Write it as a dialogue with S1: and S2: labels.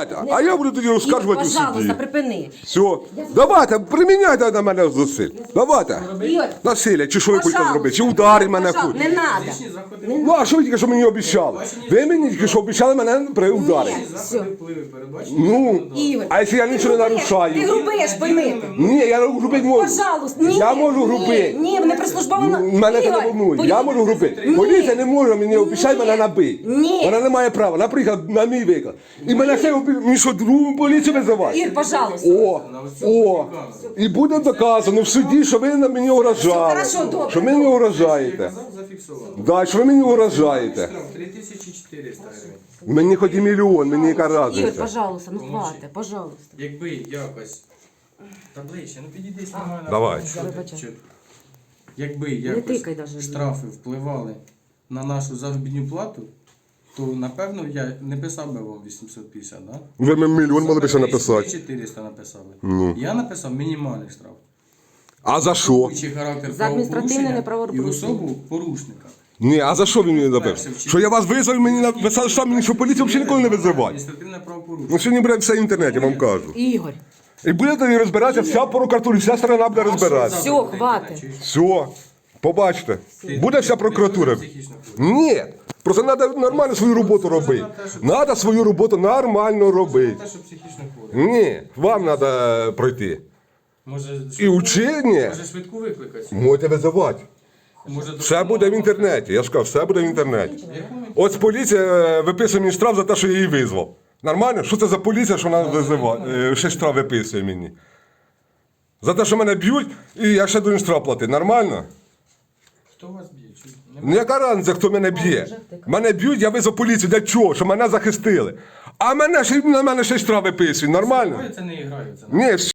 S1: Давайте, а я буду тоді розказувати у суді.
S2: Пожалуйста, припини.
S1: Все, давайте, приміняйте на мене зусиль. Давайте.
S2: Ігор,
S1: Насилля, чи що ви хочете
S2: пожалуйста.
S1: зробити, чи ударить мене
S2: Пожалуйста,
S1: хоч.
S2: не надо.
S3: Лишні заходи.
S1: Ну, а що ви тільки що мені обіцяли? Ви мені тільки що обіцяли мене ударити.
S3: Заходи впливи передбачені.
S1: Ну,
S2: Ігор,
S1: а якщо я нічого не
S2: Ти
S1: нарушаю?
S2: грубиш, пойми.
S1: Ні, я грубити можу.
S2: Пожалуйста, ні.
S1: Я можу грубити.
S2: Ні, не прислужбовано.
S1: Мене це не
S2: Ігор,
S1: волнує. Я можу грубити. Поліція не може мені обіцяти мене набити.
S2: Ні.
S1: Вона не має права. Наприклад, на мій виклад. І мене ще мені що, другу поліцію визивати?
S2: Ігор, пожалуйста.
S1: О, і буде доказано в суді, що ви на мені угрожали.
S2: хорошо, добре.
S1: Що ви мені угрожаєте.
S3: Казав, зафіксував.
S1: Да, що ви мені угрожаєте.
S3: Штраф 3400 гривень.
S1: Мені хоч і мільйон, мені яка
S2: Ігор,
S1: разниця.
S2: пожалуйста, ну хватить, пожалуйста.
S3: Якби якось. Та ближче, ну підійди знімай на
S1: Давай.
S3: фото, що ти,
S2: Вибачай.
S3: що ти. Якби
S2: тикай даже.
S3: якось штрафи впливали на нашу заробітну плату, то напевно я не писав би вам 850, да?
S1: Ви мені мільйон могли б ще написати.
S3: 400 написали.
S1: Ну.
S3: Я написав мінімальний штраф.
S1: А за що?
S3: Чи характер
S2: За адміністративне
S3: правопорушення і
S2: неправопорушення.
S3: особу порушника.
S1: Ні, а за що він мені написав? Що я вас визвав, мені написали, що мені, що поліцію взагалі ніколи не визивати.
S3: Адміністративне правопорушення.
S1: Ну сьогодні, блядь, все в інтернеті, вам кажу.
S2: Ігор,
S1: І буде тоді розбиратися вся прокуратура, вся сторона буде розбиратися.
S2: все, хватить.
S1: Все, побачите. Буде вся прокуратура.
S3: Психічно хворий.
S1: Ні, просто треба нормально свою роботу робити. Треба свою роботу нормально робити.
S3: Те, що психічно хворий.
S1: Ні, вам треба пройти.
S3: Може,
S1: І учені
S3: може швидку викликати?
S1: можете визивати.
S3: Може,
S1: Все буде в інтернеті. Я ж кажу, все буде в інтернеті. От поліція виписує мені штраф за те, що я її визвав. Нормально? Що це за поліція, що вона визиває? Ще штраф виписує мені. За те, що мене б'ють, і я ще должен штраф платити. Нормально?
S3: Хто вас б'є? Чи не
S1: Ну яка разниця, хто мене б'є? Мене б'ють, я визвав поліцію. Для чого? Щоб мене захистили. А на мене ще й штраф виписують. Нормально?
S3: це не грає? Це
S1: Ні,